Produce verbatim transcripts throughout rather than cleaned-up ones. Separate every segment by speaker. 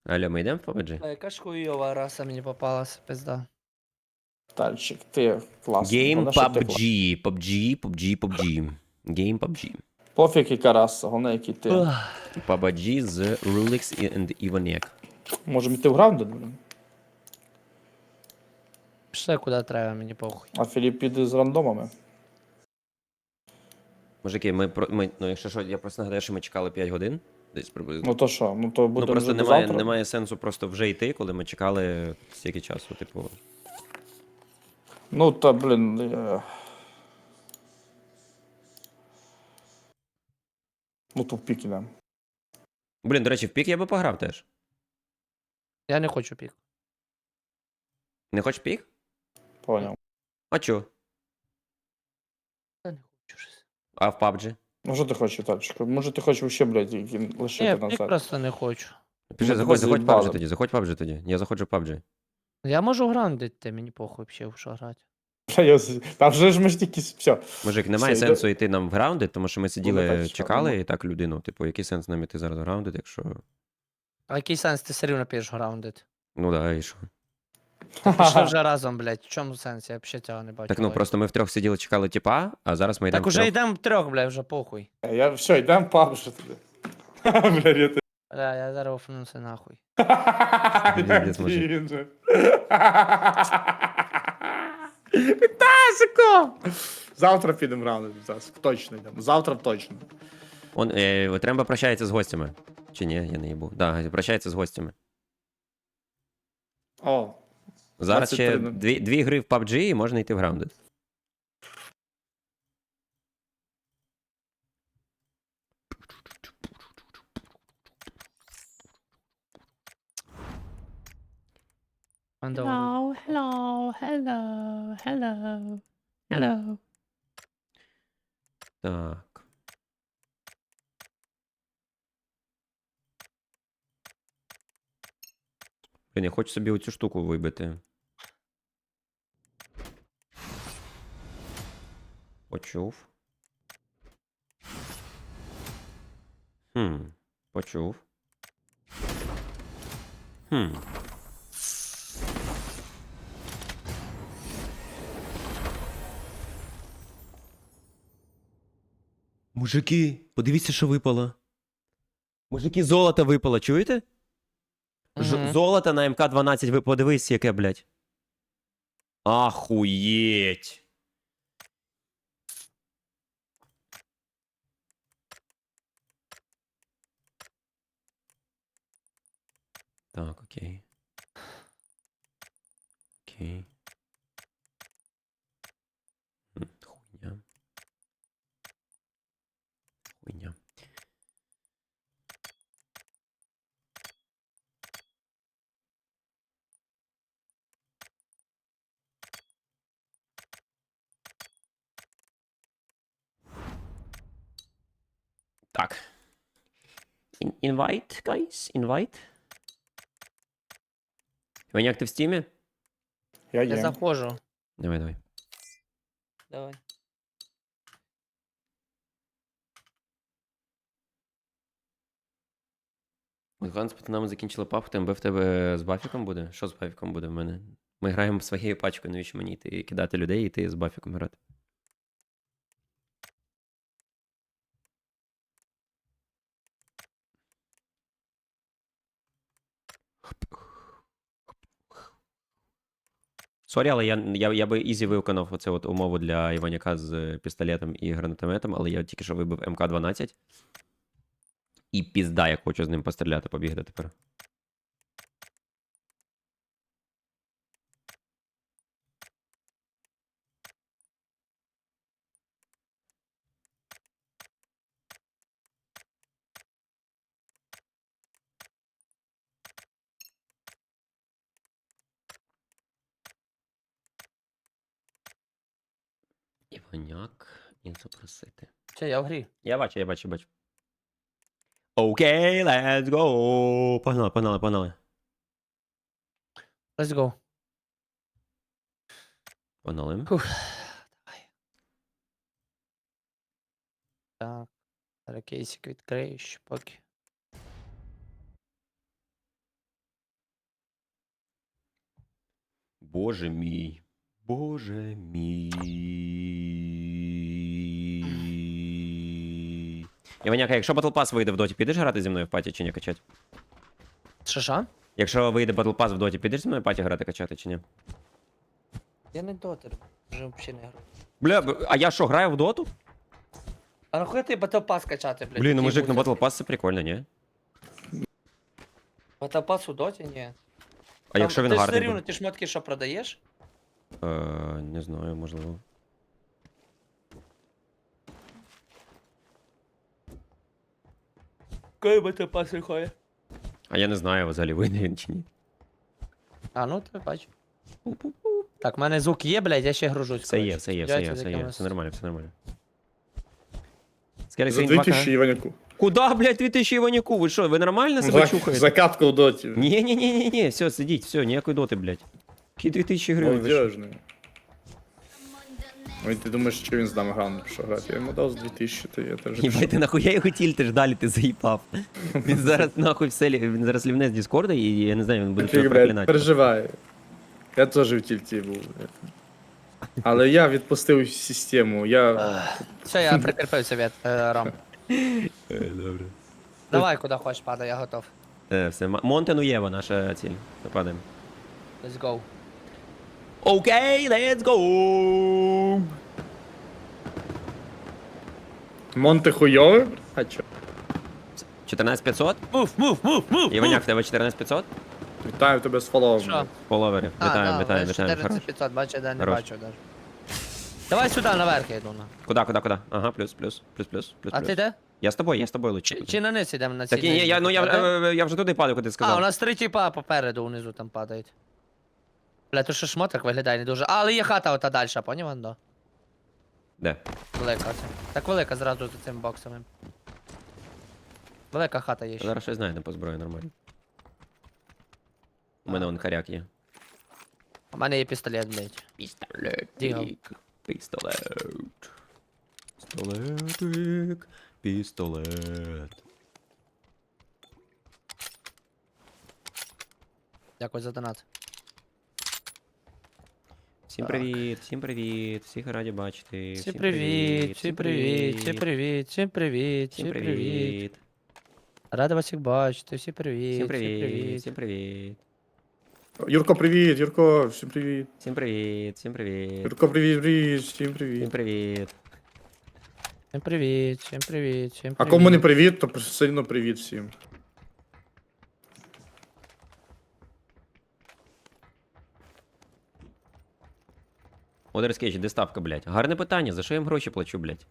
Speaker 1: Алло, ми йдемо в пабджі?
Speaker 2: А яка ж хуйова раса мені попалася, пизда.
Speaker 3: Тальчик, ти класний.
Speaker 1: Гейм
Speaker 3: Головне, що ти класний.
Speaker 1: пабджі, пабджі, пабджі, пабджі. Гейм пабджі.
Speaker 3: Пофіг, яка раса, головне, який ти.
Speaker 1: пабджі з Rulix і Ivaniac.
Speaker 3: Можемо йти в граунди, блін.
Speaker 2: Пішли куди треба, мені похуй.
Speaker 3: А Філіп піде з рандомами.
Speaker 1: Мужики, ми, про- ми, ну якщо що, я просто нагадаю, що ми чекали п'ять годин. Десь приблизно.
Speaker 3: Ну то що, ну то
Speaker 1: Ну
Speaker 3: буде
Speaker 1: просто
Speaker 3: вже до
Speaker 1: немає,
Speaker 3: завтра.
Speaker 1: немає сенсу просто вже йти, коли ми чекали стільки часу, типу.
Speaker 3: Ну та, блін. е, Ну то в пік ідемо.
Speaker 1: Блін, до речі, в пік я би пограв теж.
Speaker 2: Я не хочу пік.
Speaker 1: Не хочеш пік?
Speaker 3: Поняв.
Speaker 1: А чо?
Speaker 2: Я не хочу щось.
Speaker 1: А в пабджі?
Speaker 3: Ну що ти хочеш, Тальчик? Може ти хочеш вообще, блядь, які-
Speaker 2: Ні,
Speaker 3: лишити
Speaker 2: в пік
Speaker 3: назад?
Speaker 2: просто не хочу.
Speaker 1: Пішли,
Speaker 3: Ми
Speaker 1: заходь,
Speaker 3: тебе
Speaker 1: заходь в
Speaker 3: заїбали.
Speaker 1: пабджі тоді, заходь в пабджі тоді. Я заходжу в пабджі.
Speaker 2: Я можу грандити, мені похуй взагалі, в що грати.
Speaker 3: Та я з- Та вже ж ми ж тільки... Все.
Speaker 1: Мужик, немає
Speaker 3: Все,
Speaker 1: сенсу йти нам в граунди, тому що ми
Speaker 3: Ну,
Speaker 1: сиділи,
Speaker 3: так, що,
Speaker 1: чекали
Speaker 3: ну.
Speaker 1: і так людину. Типу, який сенс нам іти зараз в граунди, якщо.
Speaker 2: А який сенс ти все рівно підеш граундити?
Speaker 1: Ну да, і що?
Speaker 2: Пішли вже разом, блядь, в чому сенс? Я взагалі цього не бачу.
Speaker 1: Так ну
Speaker 2: логіки.
Speaker 1: просто ми втрьох сиділи, чекали тіпа, а зараз ми йдемо
Speaker 2: Так уже
Speaker 1: втрьох.
Speaker 2: йдемо трьох, блядь, вже похуй.
Speaker 3: Я все, йдемо в паб, що тобі. Бля, я ти.
Speaker 2: Бля, я зараз офнуся нахуй.
Speaker 1: Пиздец, мужик.
Speaker 3: Він же. Вітасико! Завтра підемо рано, Вітасик. Точно йдемо. Завтра точно.
Speaker 1: Он, е, Тремба прощається з гостями. Чи ні, я не їбу. Да, прощається з гостями.
Speaker 3: О,
Speaker 1: Зараз ще
Speaker 3: двадцять три.
Speaker 1: дві, дві гри в пабджі і можна йти в граунди.
Speaker 2: Hello,
Speaker 4: hello, hello, hello, hello.
Speaker 1: Так. Блін, я хочу собі оцю штуку вибити. Почув. Хм. Почув. Хм. Мужики, подивіться, що випало. Мужики, золото випало, чуєте? Ж-
Speaker 2: Мгм.
Speaker 1: Золото на ем ка дванадцять, ви подивись, яке, блядь. Ахуєть. Так, окей. Окей. М, Хуйня. Хуйня. Так. In- Invite, guys? Invite? Ваняк, ти в стімі?
Speaker 3: я
Speaker 2: Я
Speaker 3: є.
Speaker 2: заходжу.
Speaker 1: Давай, давай.
Speaker 2: Давай.
Speaker 1: Ганс з пацанами закінчили папку, ТМБ в тебе з бафіком буде? Що з бафіком буде в мене? Ми граємо своєю пачкою, навіщо мені йти кидати людей і йти з бафіком грати? Сорі, але я, я, я би ізі виконав оце от умову для Іваняка з пістолетом і гранатометом, але я тільки що вибив ем ка дванадцять. І пізда, я хочу з ним постріляти, побігти тепер. Іваняк і запросити.
Speaker 2: Все, я в грі.
Speaker 1: Я бачу, я бачу, бачу. Окей, let's go! Погнали, погнали, погнали.
Speaker 2: Let's go.
Speaker 1: Погнали.
Speaker 2: Фух. Давай. Так. Зараз кейсик відкрию ще поки.
Speaker 1: Боже мій. Боже мій. Іваняка, якщо Battle Pass вийде в доті, підеш грати зі мною в паті чи ні качати?
Speaker 2: Що що?
Speaker 1: Якщо вийде Battle Pass в доті, підеш зі мною в паті грати качати чи ні?
Speaker 2: Я не дотер, вже взагалі не граю.
Speaker 1: Бля, б- а я що, граю в доту?
Speaker 2: А нахуя ти Battle Pass качати, блядь?
Speaker 1: Блін, ну
Speaker 2: Який
Speaker 1: мужик, ну
Speaker 2: буде?
Speaker 1: Battle Pass це прикольно, ні?
Speaker 2: Battle Pass у доті? Ні.
Speaker 1: А
Speaker 2: Там-
Speaker 1: якщо він
Speaker 2: ти ж
Speaker 1: гарний
Speaker 2: все рівно,
Speaker 1: буде?
Speaker 2: ти шмотки що продаєш?
Speaker 1: Е, не знаю, можливо.
Speaker 2: Коли Battle Pass виходить?
Speaker 1: А я не знаю, взагалі вийде він чи ні.
Speaker 2: А, ну ти бачу. Так, в мене звук є, блядь, я ще гружусь.
Speaker 1: Все є,
Speaker 2: коротше.
Speaker 1: все є, все є,
Speaker 2: Сподіваюся,
Speaker 1: все
Speaker 2: з
Speaker 1: є,
Speaker 2: якимось-
Speaker 1: все нормально, все нормально. Скільки
Speaker 3: За
Speaker 1: сьогодні
Speaker 3: дві
Speaker 1: два
Speaker 3: тисячі
Speaker 1: К?
Speaker 3: Іваняку.
Speaker 1: Куда, блядь, дві тисячі Іваняку? Ви що, ви нормально себе
Speaker 3: За,
Speaker 1: чухаєте?
Speaker 3: закатка в доті.
Speaker 1: Ні, ні, ні, ні, ні, все, сидіть, все, ніякої доти, блядь. Які дві тисячі гривень? ви що?
Speaker 3: Молодежний. Ой, ти думаєш, що він з нами грав, ну що грати? Я йому дав з дві тисячі, то я теж.
Speaker 1: Їбать, ти нахуя його тільтиш далі, ти заїбав. Він зараз нахуй все, лі- він зараз лівне з Діскорда і я не знаю, він буде тебе
Speaker 3: Блядь,
Speaker 1: проклинати.
Speaker 3: переживаю. Я теж в тільті був. Але я відпустив систему, я...
Speaker 2: Все, я прикріпився від е, Ром.
Speaker 1: Добре.
Speaker 2: Давай, куди хочеш, падай, я готов.
Speaker 1: Е, все, М- Монтенуєва наша ціль. Нападемо.
Speaker 2: Let's go.
Speaker 1: Окей, let's go!
Speaker 3: Монте хуйове? А чо?
Speaker 1: чотирнадцять п'ятсот?
Speaker 2: Мув, мув, мув, мув!
Speaker 1: Іваняк, в тебе чотирнадцять п'ятсот?
Speaker 3: Вітаю тебе з фоловом.
Speaker 2: Що?
Speaker 1: Фоловерів.
Speaker 2: А,
Speaker 1: Вітаємо,
Speaker 2: да,
Speaker 1: вітаємо,
Speaker 2: ви
Speaker 1: вітаємо. Хорош.
Speaker 2: чотирнадцять п'ятсот, бачу, я не
Speaker 1: Хорош.
Speaker 2: бачу даже. Давай сюди, наверх я йду. на.
Speaker 1: Куда, куда, куда? Ага, плюс, плюс, плюс, плюс, плюс.
Speaker 2: А
Speaker 1: плюс.
Speaker 2: ти де?
Speaker 1: Я з тобою, я з тобою лучше.
Speaker 2: Чи, чи на низ йдемо на ці
Speaker 1: Так, ні, ні, я, ну я, е, я вже туди падаю, куди
Speaker 2: А, у
Speaker 1: сказав.
Speaker 2: нас три тіпа попереду внизу там падають. Бля, то що шмоток виглядає не дуже. А, але є хата ота далі, поняв, Андо?
Speaker 1: Де?
Speaker 2: Велика це. Так велика зразу за цим боксом. Велика хата є ще.
Speaker 1: Зараз щось знайдемо по зброї нормально. У мене он коряк є.
Speaker 2: У мене є пістолет, блядь.
Speaker 1: Пістолетик.
Speaker 2: Дігл.
Speaker 1: Пістолет. Пістолетик. Пістолет.
Speaker 2: Дякую за донат.
Speaker 1: Всім
Speaker 2: Так.
Speaker 1: привіт, всім привіт, всіх раді бачити.
Speaker 2: Всім привіт, всім привіт, всім привіт, всім привіт,
Speaker 1: Всім
Speaker 2: всім привіт.
Speaker 1: привіт.
Speaker 2: Рада вас всіх бачити, всім привіт,
Speaker 1: Всім привіт, всім привіт.
Speaker 3: Юрко, привіт, Юрко, всім привіт.
Speaker 1: Всім привіт, всім привіт.
Speaker 3: Юрко, привіт, привіт, всім
Speaker 1: Всім
Speaker 3: привіт.
Speaker 1: привіт.
Speaker 2: Всім привіт, всім привіт, всім
Speaker 3: А
Speaker 2: привіт.
Speaker 3: кому не привіт, то сильно привіт всім.
Speaker 1: Одерскейдж, де ставка, блядь? Гарне питання, за що я їм гроші плачу, блядь?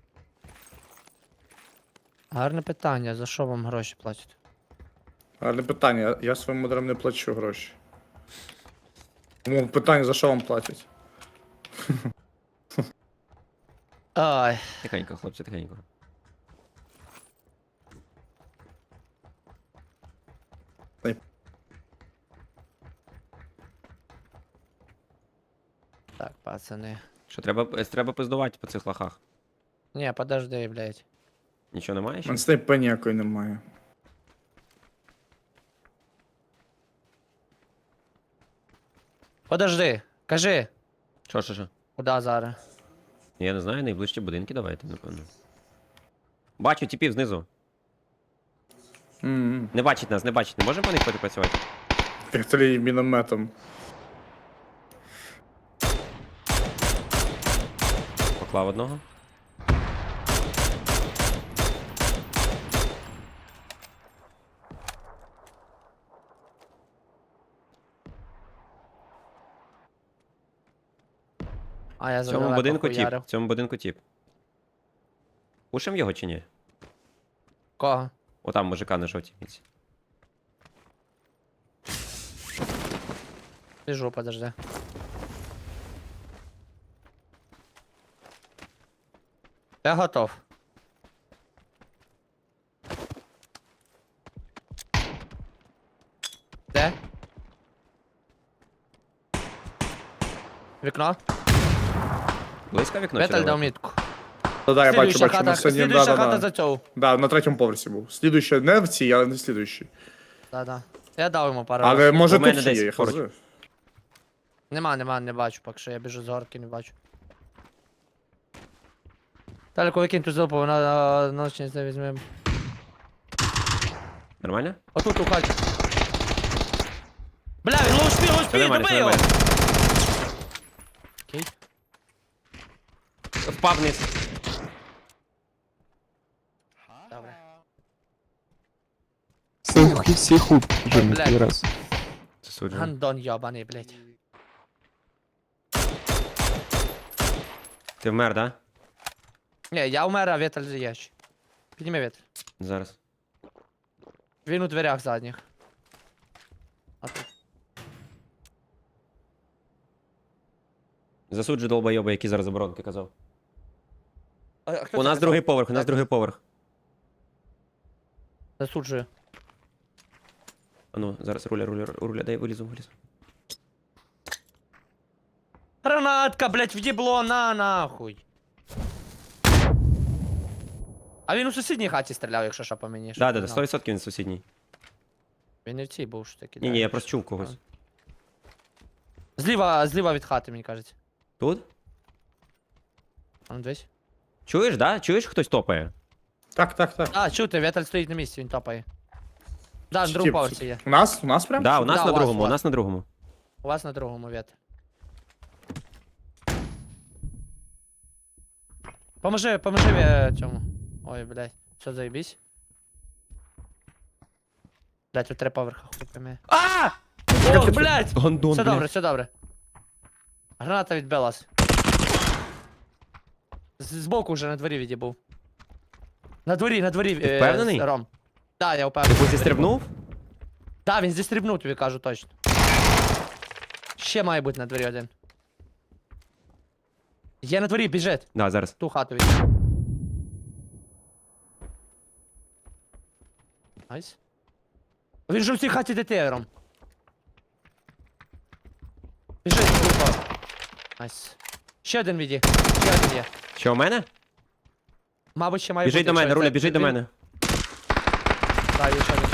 Speaker 2: Гарне питання, за що вам гроші платять?
Speaker 3: Гарне питання, я- я своїм модерам не плачу гроші. Тому питання, за що вам платять?
Speaker 2: Ай,
Speaker 1: Тихенько, хлопці, тихенько.
Speaker 2: так, пацани.
Speaker 1: Що, треба, е, треба пиздувати по цих лохах?
Speaker 2: Ні, подожди, блядь.
Speaker 1: Нічого немає
Speaker 3: У
Speaker 1: ще?
Speaker 3: мене снайпи ніякої немає.
Speaker 2: Подожди, кажи,
Speaker 1: Що, що, що?
Speaker 2: куди зараз?
Speaker 1: Я не знаю, найближчі будинки давайте, напевно. Бачу типів знизу.
Speaker 3: Мгм.
Speaker 1: Не бачить нас, не бачить. Не можемо по них працювати?
Speaker 3: Пістолет мінометом.
Speaker 1: Поклав одного.
Speaker 2: А, я
Speaker 1: В
Speaker 2: за
Speaker 1: цьому
Speaker 2: далеко
Speaker 1: будинку тіп.
Speaker 2: хуярив.
Speaker 1: В цьому будинку тіп. Пушим його чи ні?
Speaker 2: Кого?
Speaker 1: Отам мужика на жовтій міці.
Speaker 2: Біжу, подожди. Я готов. Де? Вікно?
Speaker 1: Близько вікно чи
Speaker 2: Віталь дав
Speaker 1: далеко?
Speaker 2: мітку.
Speaker 3: Да-да, я бачу,
Speaker 2: Слідуюча
Speaker 3: бачу,
Speaker 2: хата,
Speaker 3: на сьогодні,
Speaker 2: слідуюча хата
Speaker 3: да-да-да.
Speaker 2: за цього.
Speaker 3: Да, на третьому поверсі був. Слідуючий, не в цій, але не слідуючий.
Speaker 2: Да-да. Я дав йому пару
Speaker 3: Але
Speaker 2: разів.
Speaker 3: може
Speaker 1: У мене
Speaker 3: тут
Speaker 1: десь
Speaker 3: є, я
Speaker 1: поруч.
Speaker 3: хз.
Speaker 2: Нема, нема, не бачу, поки що я біжу з горки, не бачу. Далеко викинь ту зелпу, вона ночність не візьмем.
Speaker 1: Нормально?
Speaker 2: Отут у хаті. Бля, він лоу спі, лоу
Speaker 1: Все
Speaker 2: спі,
Speaker 1: нормально, все
Speaker 2: добий його!
Speaker 1: нормально.
Speaker 2: Окей.
Speaker 1: Впав вниз.
Speaker 2: Добре.
Speaker 5: Всіх, всіх хуп вже
Speaker 2: Блядь.
Speaker 5: не той раз.
Speaker 1: Засуджую.
Speaker 2: Гандон йобаний, блядь.
Speaker 1: Ти вмер, да?
Speaker 2: Ні, я умер, а вітер є. ще. Підніми вітер.
Speaker 1: Зараз.
Speaker 2: Він у дверях задніх. А тут.
Speaker 1: Засуджу долбойоба, який зараз оборонки казав.
Speaker 2: А, а хто
Speaker 1: У
Speaker 2: це
Speaker 1: нас
Speaker 2: казав?
Speaker 1: другий поверх, у нас
Speaker 2: Так.
Speaker 1: другий поверх.
Speaker 2: Засуджую.
Speaker 1: А ну, зараз руля, руля, руля, дай вилізу, вилізу.
Speaker 2: Гранатка, блядь, в'єбло, на нахуй. А він у сусідній хаті стріляв, якщо що по мені. щоб
Speaker 1: Да, да,
Speaker 2: ти
Speaker 1: да,
Speaker 2: знав.
Speaker 1: сто відсотків він сусідній.
Speaker 2: Він не в цій був що таки.
Speaker 1: Ні, ні, я просто чув когось.
Speaker 2: Зліва, зліва від хати, мені кажуть.
Speaker 1: Тут?
Speaker 2: А ну дивись.
Speaker 1: Чуєш, да? Чуєш, хтось топає?
Speaker 3: Так, так, так.
Speaker 2: А, чути, вітер стоїть на місці, він топає. Да, на другому
Speaker 3: Тіп,
Speaker 2: поверсі є.
Speaker 3: У нас? У нас прям?
Speaker 1: Да, у нас
Speaker 2: Да,
Speaker 1: на
Speaker 2: у вас,
Speaker 1: другому,
Speaker 2: у
Speaker 1: у
Speaker 2: вас.
Speaker 1: нас на другому.
Speaker 2: У вас на другому вітер. Поможи, поможи е, цьому. Ой, блядь. Все, заебись. Блядь, тут три поверха хупами. А! О, блядь!
Speaker 1: Гондон,
Speaker 2: Все добре,
Speaker 1: блядь.
Speaker 2: все добре. Граната відбилась. З- Збоку вже на дворі відібув. На дворі, на дворі.
Speaker 1: Ти
Speaker 2: е,
Speaker 1: впевнений?
Speaker 2: з- Ром. Да, я
Speaker 1: Ти
Speaker 2: впевнений.
Speaker 1: хоч зістрибнув?
Speaker 2: Да, він зістрибнув, тобі кажу точно. Ще має бути на дворі один. Є на дворі, біжить.
Speaker 1: Да, зараз.
Speaker 2: Ту хату від. Найс. Він же в цій хаті дете, Ром. Біжить, глупо. Найс. Ще один віді. Ще один є.
Speaker 1: Що, у мене?
Speaker 2: Мабуть, ще має
Speaker 1: Біжить
Speaker 2: бути.
Speaker 1: до мене,
Speaker 2: якщо
Speaker 1: руля,
Speaker 2: це-
Speaker 1: біжить до
Speaker 2: він-
Speaker 1: мене.
Speaker 2: Так, є ще один.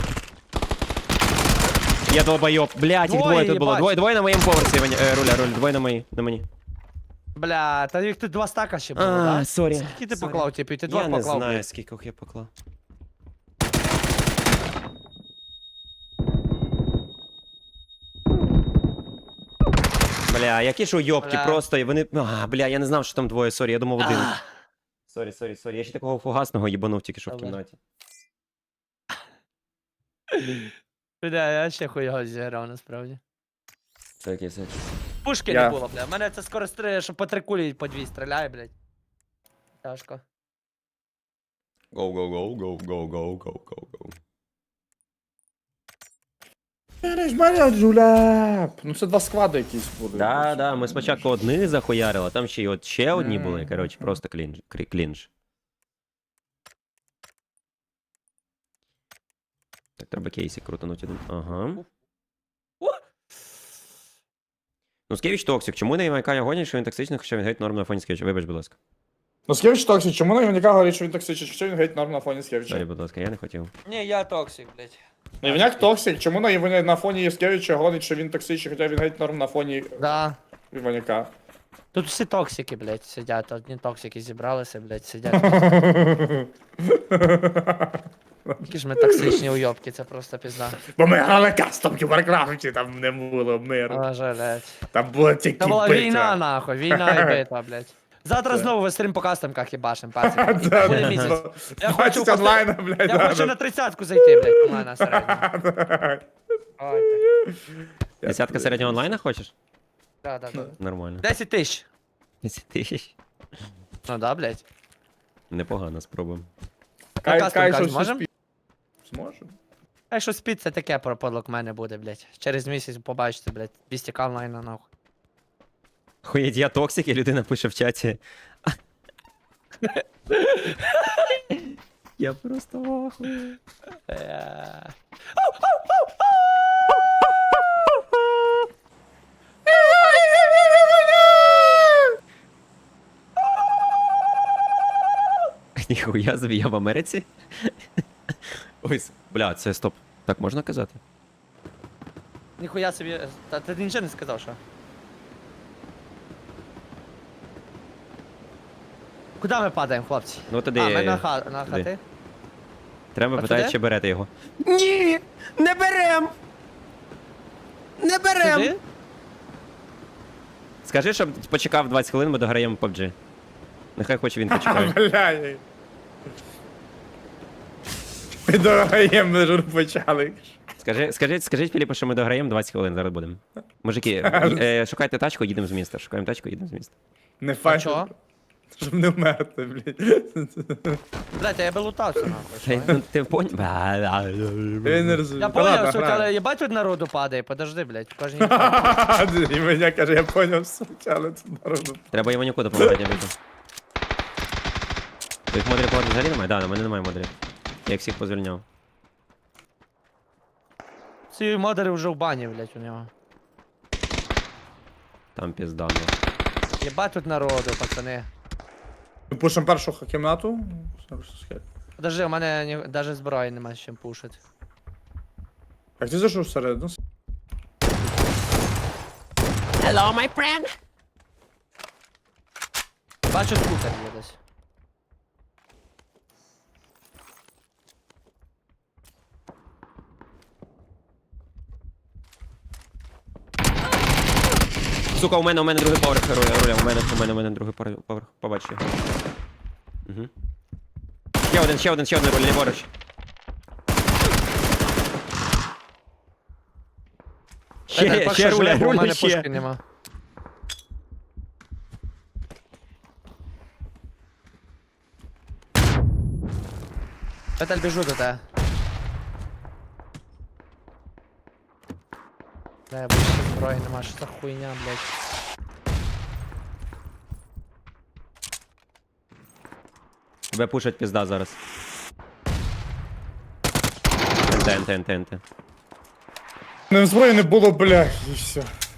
Speaker 1: Я долбойоб. Блядь, їх
Speaker 2: Двоє,
Speaker 1: двоє тут було.
Speaker 2: їбать.
Speaker 1: Двоє, двоє на моєму поверсі, Ваня- е, руля, руля, двоє на мої, на мені.
Speaker 2: Бля, та їх тут два стака ще було,
Speaker 1: А,
Speaker 2: да?
Speaker 1: сорі.
Speaker 2: Скільки ти
Speaker 1: сорі.
Speaker 2: поклав, типу, ти два
Speaker 1: Я не
Speaker 2: поклав,
Speaker 1: знаю,
Speaker 2: блядь.
Speaker 1: скільки я поклав. Бля, які ж уйобки,
Speaker 2: Бля.
Speaker 1: просто, і вони... А, бля, я не знав, що там двоє, сорі, я думав один.
Speaker 2: А,
Speaker 1: Сорі, сорі, сорі, я ще такого фугасного їбанув тільки що в
Speaker 2: Добре.
Speaker 1: кімнаті.
Speaker 2: Бля, я ще хуйого зіграв, насправді.
Speaker 1: Це якесь...
Speaker 2: Пушки
Speaker 3: Я-
Speaker 2: не було, бля. Мене це скоро стріляє, що по три кулі по дві стріляє, блядь. Тяжко.
Speaker 1: Go, go, go, go, go, go, go, go, go.
Speaker 3: Ну це два склади якісь були.
Speaker 1: Да, да, ми спочатку одних захуярили, а там ще й от ще одні були,
Speaker 3: Мгм.
Speaker 1: коротше, просто клінж. крі- клінж. Так, треба кейсі крутануть один. Ага. Ну, Скевич токсик. Чому не Івайка гонять, що він токсичний, хоча він геть норм на фоні Скевича? Вибач, будь ласка.
Speaker 3: Ну Скевич токсик, чому на Іваняка говорить, що він токсичний, що він геть норм на фоні
Speaker 1: Сорі,
Speaker 3: Скевича?
Speaker 1: будь ласка, я не хотів.
Speaker 2: Ні, я токсик, блядь.
Speaker 3: Ну Іваняк токсик, чому на Іваня на фоні Скевича говорить, що він токсичний, хоча він геть норм на фоні
Speaker 2: Да.
Speaker 3: Іваняка?
Speaker 2: Тут всі токсики, блядь, сидять. Одні токсики зібралися, блядь, сидять. Які ж ми токсичні уйобки, це просто пізда.
Speaker 3: Бо ми грали кастомки в Варкрафті, там не було миру.
Speaker 2: Але блядь.
Speaker 3: Там було тільки
Speaker 2: Це була
Speaker 3: битва.
Speaker 2: війна, нахуй, війна і битва, блядь. Завтра
Speaker 3: Це-
Speaker 2: знову вестрим по кастомках їбашим, пацики.
Speaker 3: Да,
Speaker 2: Буде
Speaker 3: да,
Speaker 2: місяць.
Speaker 3: да.
Speaker 2: Я хочу
Speaker 3: двадцять
Speaker 2: поста-
Speaker 3: онлайна, блядь,
Speaker 2: Я
Speaker 3: да,
Speaker 2: хочу
Speaker 3: да.
Speaker 2: на тридцятку зайти, блядь, онлайн на середньому. Ой, так.
Speaker 1: Десятка середнього онлайна хочеш?
Speaker 2: Да, да, да.
Speaker 1: Нормально.
Speaker 2: десять тисяч.
Speaker 1: десять тисяч.
Speaker 2: Ну да, блядь.
Speaker 1: Непогано, спробуємо.
Speaker 3: Кай,
Speaker 2: кастом
Speaker 3: кай,
Speaker 2: кажеш,
Speaker 3: що
Speaker 2: можем?
Speaker 3: всі спі- Зможем.
Speaker 2: А що спід, це таке про подлог мене буде, блядь. Через місяць побачите, блядь, двісті к онлайна, нахуй.
Speaker 1: Хуєть, я токсик, і людина пише в чаті. Я просто вахую.
Speaker 2: Е,
Speaker 1: Ніхуя собі, я в Америці? Ой, с- бля, це стоп. Так можна казати?
Speaker 2: Ніхуя собі. Та ти нічого не сказав, що? Куди ми падаємо, хлопці?
Speaker 1: Ну туди.
Speaker 2: А, ми на, ха... на
Speaker 1: туди.
Speaker 2: хати.
Speaker 1: Треба
Speaker 2: А
Speaker 1: питати,
Speaker 2: туди?
Speaker 1: чи берете його. Ні! Не берем! Не берем!
Speaker 2: Сюди?
Speaker 1: Скажи, щоб почекав двадцять хвилин, ми дограємо паб джі. Нехай хоч він почекає.
Speaker 3: Бля. Ми дограємо, ми ж почали.
Speaker 1: Скажи, скажіть, скажіть Філіпу, що ми дограємо двадцять хвилин, зараз будемо. Мужики, е, шукайте тачку, їдемо з міста. Шукаємо тачку, їдемо з міста.
Speaker 3: Не файно.
Speaker 2: чого?
Speaker 3: Щоб не вмерти, блядь.
Speaker 2: Блядь, а я би лутався,
Speaker 1: Та й,
Speaker 2: нахуй.
Speaker 1: ну, ти поняв?
Speaker 3: Я не розумію.
Speaker 2: Я
Speaker 3: Та ладно,
Speaker 2: поняв, сука,
Speaker 3: граю.
Speaker 2: але їбать тут народу падає, подожди, блядь, в кожній...
Speaker 3: І мене каже, я поняв, сука, але це народу.
Speaker 1: Треба Іванюку допомагати, я вийду. Твоїх модрів повернути взагалі немає? Да, на мене немає модрів. Я їх всіх позвільняв.
Speaker 2: Ці модери вже в бані, блядь, у нього.
Speaker 1: Там пізда. Ну.
Speaker 2: Єбать тут народу, пацани.
Speaker 3: Ми пушимо першу кімнату.
Speaker 2: Подожди, у мене ні... даже зброї нема з чим пушити.
Speaker 3: Як ти зайшов всередину?
Speaker 4: Hello, my friend.
Speaker 2: Бачу, скутер є десь.
Speaker 1: Сука, у мене, у мене другий поверх руля, руля, у мене, у мене, у мене другий пор- поверх, побачу його. Угу. Ще один, ще один, ще один руля, ліворуч.
Speaker 2: Петель,
Speaker 1: Ще,
Speaker 2: поки
Speaker 1: ще
Speaker 2: що
Speaker 1: руля,
Speaker 2: живе, бо у
Speaker 1: руля,
Speaker 2: мене
Speaker 1: ще.
Speaker 2: пушки нема. Петель, біжу до тебе. Бля, більше зброї нема, що за хуйня, блядь.
Speaker 1: Тебе пушать пізда зараз. НТ, НТ, НТ, НТ.
Speaker 3: Не зброї не було, бля, і все.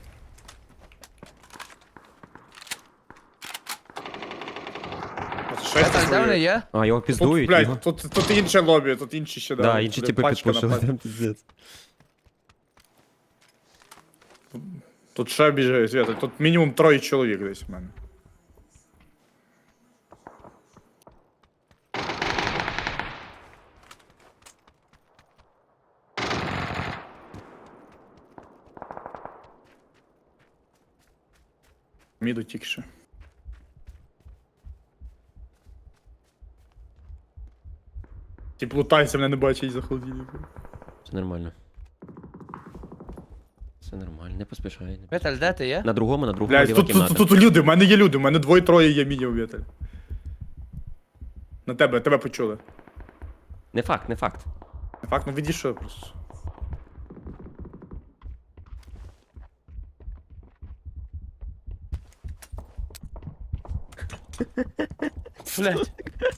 Speaker 2: Петель, де вони є?
Speaker 1: А, його
Speaker 3: Тут,
Speaker 1: піздують.
Speaker 3: блядь,
Speaker 1: його.
Speaker 3: тут, тут інше лобі, тут інші ще,
Speaker 1: Да, інші
Speaker 3: блядь,
Speaker 1: типи
Speaker 3: пачка на
Speaker 1: підпушили,
Speaker 3: пачку.
Speaker 1: там піздець.
Speaker 3: Тут ще біжить, Свята, тут мінімум троє чоловік десь в мене. Міду тільки ще. Ті плутайся, мене не бачить за холодильником.
Speaker 1: Все нормально. Все нормально, не поспішай. Не поспішай.
Speaker 2: Петель, де ти є?
Speaker 1: На другому, на другому
Speaker 3: Блядь,
Speaker 1: ліва
Speaker 3: тут,
Speaker 1: кімната.
Speaker 3: тут, тут, тут люди, в мене є люди, в мене двоє-троє є мінімум, Віталь. На тебе, тебе почули.
Speaker 1: Не факт, не факт.
Speaker 3: Не факт, ну відійшов просто.
Speaker 2: Блядь.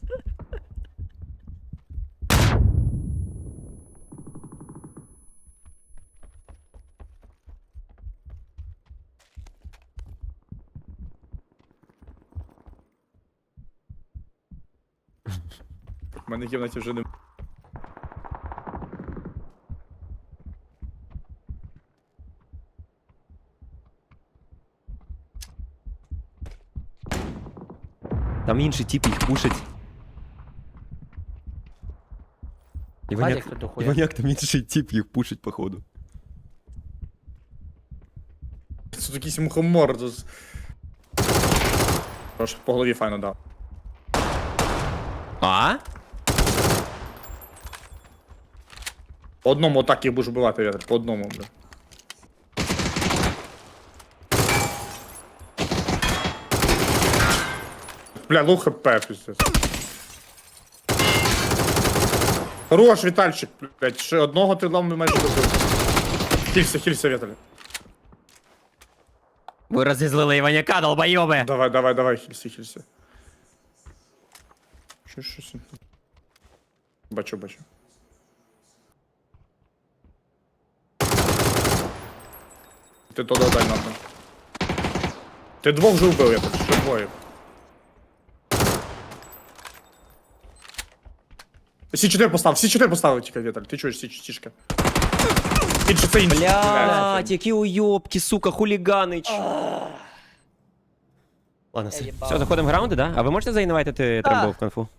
Speaker 3: В мене в кімнаті вже не.
Speaker 1: Там інший тип їх пушить.
Speaker 2: Вадик
Speaker 1: Іваняк,
Speaker 2: тут дохуя.
Speaker 1: Іваняк там інший тип їх пушить, походу.
Speaker 3: Це якийсь мухомор. Тут... Трошки по голові файно дав.
Speaker 1: А?
Speaker 3: По одному отак їх будеш вбивати, Віталь, по одному, бля. Бля, лоу хп, пиздец. Хорош, Вітальчик, блядь, ще одного ти лам майже добив. Хілься, хілься, Віталь.
Speaker 1: Ви розізлили Іваняка, долбойоби!
Speaker 3: Давай, давай, давай, хілься, хілься. Що, що, що? Бачу, бачу. Ти то додай нахуй. Ти двох вже вбив, я так, ще двоє. Сі чотири постав, Сі чотири поставив тільки, Віталь, ти чуєш, Сі чотири. Інше, це інше.
Speaker 1: Блядь, які уйобки, сука, хуліганич. Ладно,
Speaker 2: Я
Speaker 1: все.
Speaker 2: їбав.
Speaker 1: Все, заходимо в раунди, да? А ви можете заінвайтити
Speaker 2: Так.
Speaker 1: трамбов в конфу?